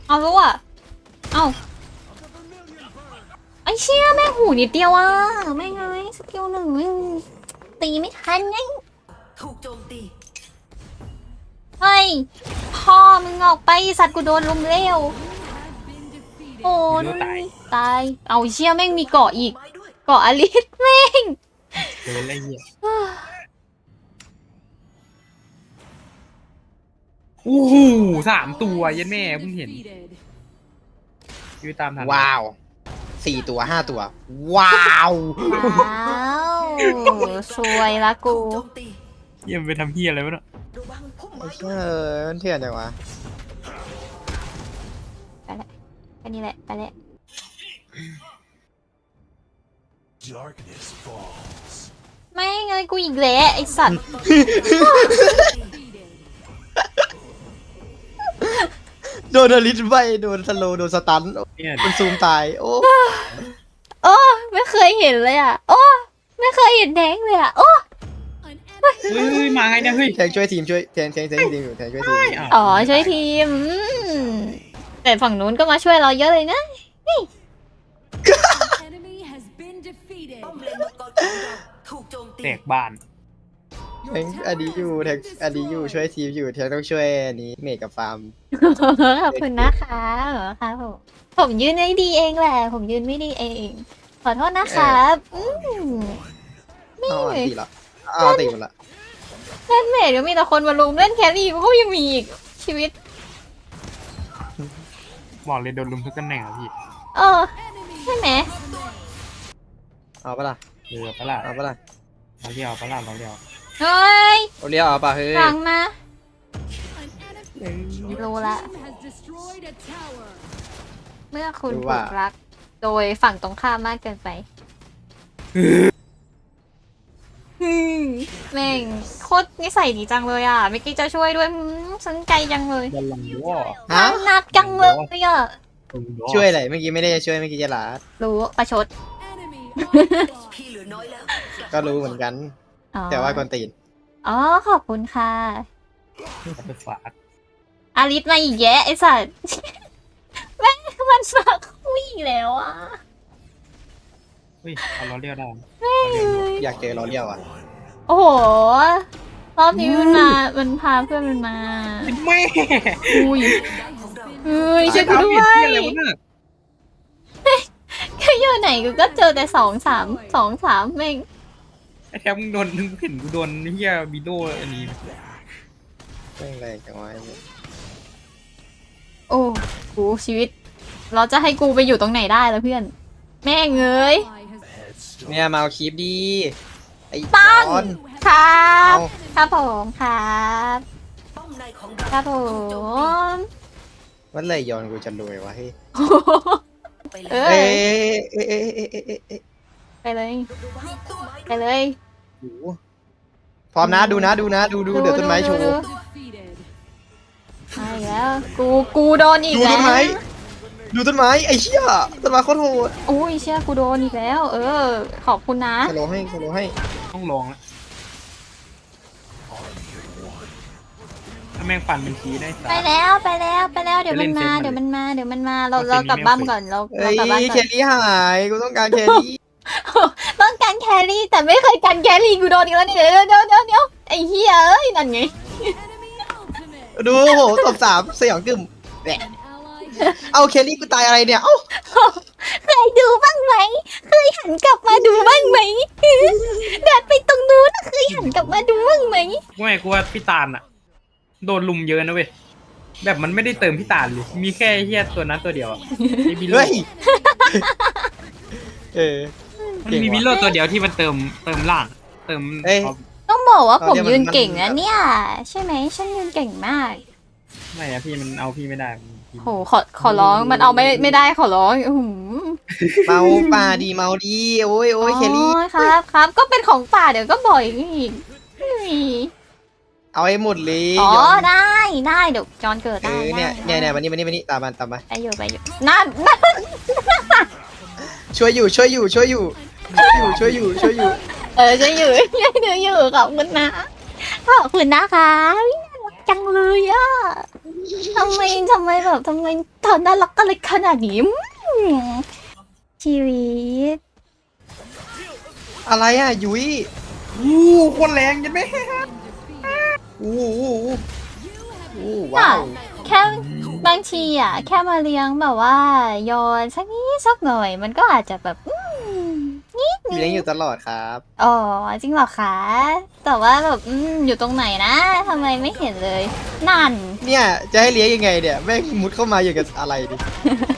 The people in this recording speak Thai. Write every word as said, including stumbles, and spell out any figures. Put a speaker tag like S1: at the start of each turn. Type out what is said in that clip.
S1: เอารู้อ่ะเอาไอ้เชี่ยแม่งหูนิดเดียวอ่ะแม่งไงสกิลหนึ่งแม่งตีไม่ทันไง
S2: ถูกโจมตี
S1: เฮ้ยพ่อมึงออกไปสัตว์กูโดนลุมเร็วโอ้ยตายเอาเชี่ยแม่งมีเกาะอีกเกาะอลิสแม่ง
S3: เกินอะไรเงี้ยโอ้โหสามตัวยันแม่เพิ่งเห็นยืดตามทัน
S4: ว้าวสี่ตัวห้าตัวว้าว
S1: ว้าวสวยละกู
S3: เยี่ยมไปทำเฮียอะไรวะเนาะ
S4: ไอ้เชี่ยมันเถื่อนจังวะ
S1: ไปละแค่นี้แหละไปละไม่ไงกูอีกแล้วไอสัตว์
S4: โดนอลิสใบโดนสโลโดนสตันโดนซูมตายโอ้
S1: โอ้ไม่เคยเห็นเลยอ่ะโอ้ไม่เคยเห็นแดงเลยอ่ะโอ้
S3: เฮ้ยมาไงเนี่ยเฮ้ย
S4: แทงช่วยทีมช่วยแทงแทงแทงทีมอยู่แทงช่วยทีม
S1: อ๋อช่วยทีมแต่ฝั่งนู้นก็มาช่วยเราเยอะเลยนะนี่
S3: แตกบ้าน
S4: แทงอดีอยู่แทงอดีอยู่ช่วยทีมอยู่แทงต้องช่วยอันนี้เมกกับฟาร์ม
S1: ขอบคุณนะคะเหรอคะผมผมยืนไม่ดีเองแหละผมยืนไม่ดีเองขอโทษนะครับ
S4: นี่ตีละอ้าวตีหมดละ
S1: เล่นเมดก็มีแต่คนมาลุมเล่นแครี่ก็ยังมีอีกชีวิต
S3: บอกเลยโดนลุมทุกตำแหน่งอ่ะพี่
S1: เออใช่ไหม
S4: เอาปะล่ะ
S3: เรือปะล่ะ
S4: เอาปะล่ะ
S3: เราเรียวปะล่ะเราเรียว
S1: เฮ้ย
S4: เอาเรียวเอาปะเฮ้ย
S1: ฟังมารู้ละเมื่อคุณถูกรักโดยฝั่งตรงข้ามมากเกินไปแม่งโคตรนิสัยดีจังเลยอ่ะเมื่อกี้จะช่วยด้วยสนใจจังเลย
S4: ฮะ
S1: นัดจังเลยอ่ะ
S4: ช่วยอะไรเมื่อกี้ไม่ได้จะช่วยเมื่อกี้จะหลา
S1: รู้ประชด
S4: ก็รู้เหมือนกันแต่ว่าคนตีน
S1: อ๋อขอบคุณค่ะ
S3: ฝาก
S1: อาริสมาอีกแยะไอสัตว์แม่งมันฝากคุยแล้วอ่ะ
S3: เฮ้ยเอาล้อเลี้ยวได้
S4: อยากเจอล้อเลี้ยวอ่ะ
S1: โอ้โหรอบนี้มันมามันพาเพื่อนมันมา
S3: แม่
S1: อุ้ยเฮ้ยช่วยกูด้วยก็อยู่ไหนกูก็เจอแต่สองสามสองสามแม่ง
S3: ไอ้แทบมึงโดนมึงเห็นกูโดนเฮียบิโดอันนี้
S4: แม่งแรงจังวะ
S1: โอ้กูชีวิตเราจะให้กูไปอยู่ตรงไหนได้แล้วเพื่อนแม่งเอ้ย
S4: เนี่ยมาเอาคลิปดีไอ้
S1: ตั้งครับครับผมครับครับผม
S4: วันเลยย้อนกูจะรวยวะเฮ้ย
S1: เอ้ยไปเลยไปเลย
S4: พร้อมนะดูนะดูนะดูดูเดี๋ยวต้นไม้โชว์
S1: มาอีกแล้วกูกูโดนอีกแล้ว
S4: ดูต้นไม้ไอ้เชี่ยต้นไม้โคตรโหด
S1: โอ้ยเชี่ยกูโดนอีกแล้วเออขอบคุณนะ
S4: สโลให้สโลให้
S3: ต้องลองแล้วถ้าแม่งฟันเป็นทีได้
S1: ไปแล้วไปแล้วไปแล้วเดี๋ยวมันมาเดี๋ยวมันมาเดี๋ยวมันมาเราเรากลับบ้านก่อนเราเรากลับบ้านก่อน
S4: แครี่หายกูต้องการแครี่
S1: ต้องการแครี่แต่ไม่เคยการแครี่กูโดนอีกแล้วนี่เดี๋ยวเดี๋ยวเดี๋ยวเดี๋ยวไอ้เหี้ยเอ้ยนั่นไง
S4: ดูโหตบสามสยองกึ่มเอาเคลลี่กูตายอะไรเนี่ยเอ้า
S1: เคยดูบ้างไหมเคยหันกลับมาดูบ้างไหมเดินไปตรงนู้นเคยหันกลับมาดูบ้างไหม
S3: ไม่กูว่าพี่ตาลอะโดนลุมเยอะนะเว้ยแบบมันไม่ได้เติมพี่ตาลเลยมีแค่เฮียตัวนั้นตัวเดียวอะมีบิโล
S4: เออ
S3: มันมีบิโลตัวเดียวที่มันเติมเติมล่างเติม
S1: ต้องบอกว่าผมยืนเก่งนะเนี่ยใช่ไหมฉันยืนเก่งมาก
S3: ไม่อะพี่มันเอาพี่ไม่ได้
S1: โหขอขอร้องมันเอาไม่ไม่ได้ขอร้อง
S4: เมาป่าดีเมาดีโอ้ยโอ้ยเคลลี่
S1: ครับครับก็เป็นของป่าเดี๋ยวก็บ่อยอีก
S4: เอาให้หมดเลย
S1: อ๋อได้ได้เดี๋ยวจอนเกิดได้
S4: เนี่ยเนี่ยเนี่ยวันนี้วันนี้วันนี้ตามมาตามมา
S1: ไปอยู่ไปอยู่นั่นนั่น
S4: ช่วยอยู่ช่วยอยู่ช่วยอยู่ช่วยอยู่ช่วยอยู่ช่วยอยู่
S1: เออช่วยอยู่ช่วยอยู่อยู่ขอบคุณนะขอบคุณนะคะจังเลยอะทำไมทำไมแบบทำไมเธอน่ารักอะไรขนาดนี้อืมชีวิต
S4: อะไรอ่ะยุ้ย
S3: อู้โคนแรงยันไหม
S4: อู้อู้อู้อู้
S1: น่ะ
S4: ว้าว
S1: แค่บางทีอ่ะ แค่มาเลี้ยงแบบว่าโยนสักนิดสักหน่อย มันก็อาจจะแบบอืมนิดนึ
S4: เลี้ยง
S1: ง
S4: อยู่ตลอดครับ
S1: อ๋อจริงเหรอคะ แต่ว่าแบบอืมอยู่ตรงไหนนะทำไมไม่เห็นเลย นั่น
S4: เนี่ยจะให้เลี้ยงยังไงเนี่ยแม่งมุดเข้ามาอย่างกับอะไรดิ